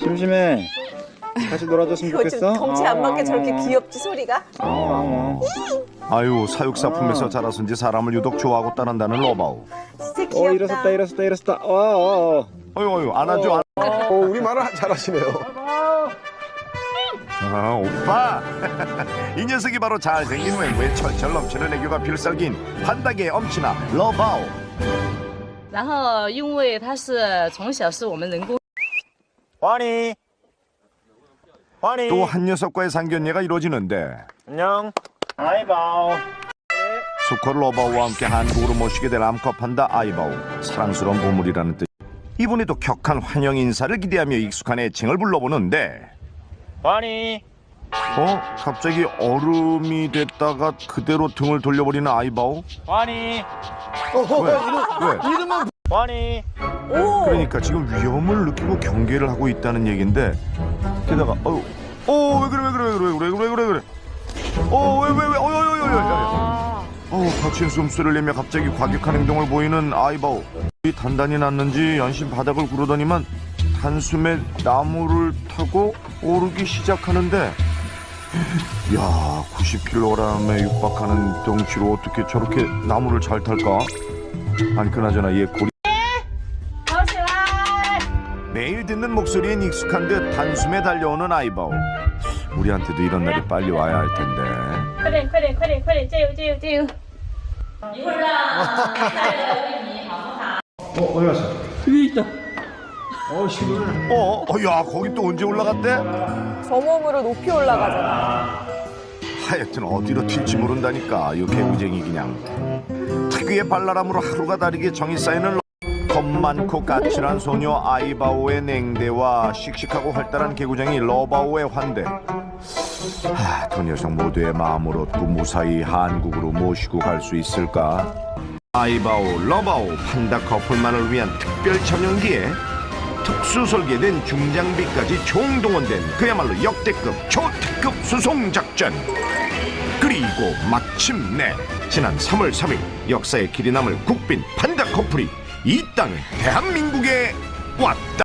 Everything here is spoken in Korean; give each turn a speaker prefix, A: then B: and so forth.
A: 심심해. 같이 놀아줬으면 좋겠어.
B: 덩치 안 맞게 저렇게 귀엽지 소리가?
C: 아유, 사육사품에서 자라선지 사람을 유독 좋아하고 따른다는 로바오.
B: 진짜 귀엽다.
A: 일어섰다.
C: 어유 안아줘.
D: 우리 말을 잘하시네요.
C: 오빠. 이 녀석이 바로 잘생긴 외모에 철철 넘치는 애교가 필살기인 판다계의 엄친아 로바오.
E: 然后因为它是从小是我们人工
A: 환희.
C: 또 한 녀석과의 상견례가 이루어지는데
A: 안녕. 아이바오.
C: 수컷 로바오와 함께 한국으로 모시게 될 암컷 판다 아이바오. 사랑스러운 보물이라는 뜻. 이번에도 격한 환영 인사를 기대하며 익숙한 애칭을 불러보는데
A: 환희.
C: 갑자기 얼음이 됐다가 그대로 등을 돌려버리는 아이바오?
A: 환희.
C: 왜?
D: 이름은
A: 환희.
C: 그러니까 지금 위험을 느끼고 경계를 하고 있다는 얘긴데 게다가 왜 그래 거친 숨소리를 내며 갑자기 과격한 행동을 보이는 아이바오. 이 단단히 났는지 연신 바닥을 구르더니만 단숨에 나무를 타고 오르기 시작하는데 야 90kg에 육박하는 덩치로 어떻게 저렇게 나무를 잘 탈까? 아니 그나저나 얘 고리 매일 듣는 목소리엔 익숙한 듯 단숨에 달려오는 아이바오. 우리한테도 이런 날이 빨리 와야 할 텐데.
E: 快点快点快点快点加油加油加油一会儿让来了为你好不好
A: 어디 갔어?
E: 여기 있다
C: 야 거기 또 언제 올라갔대?
B: 저 몸으로 높이 올라가잖아.
C: 하여튼 어디로 튈지 모른다니까 이 개구쟁이 그냥. 특유의 발랄함으로 하루가 다르게 정이 쌓이는 겁 많고 까칠한 소녀 아이바오의 냉대와 씩씩하고 활달한 개구쟁이 러바오의 환대. 두 녀석 모두의 마음을 얻고 무사히 한국으로 모시고 갈 수 있을까? 아이바오, 러바오, 판다 커플만을 위한 특별 전용기에 특수 설계된 중장비까지 총동원된 그야말로 역대급 초특급 수송작전. 그리고 마침내 지난 3월 3일 역사의 길이 남을 국빈 판다 커플이 이 땅 대한민국에 왔다.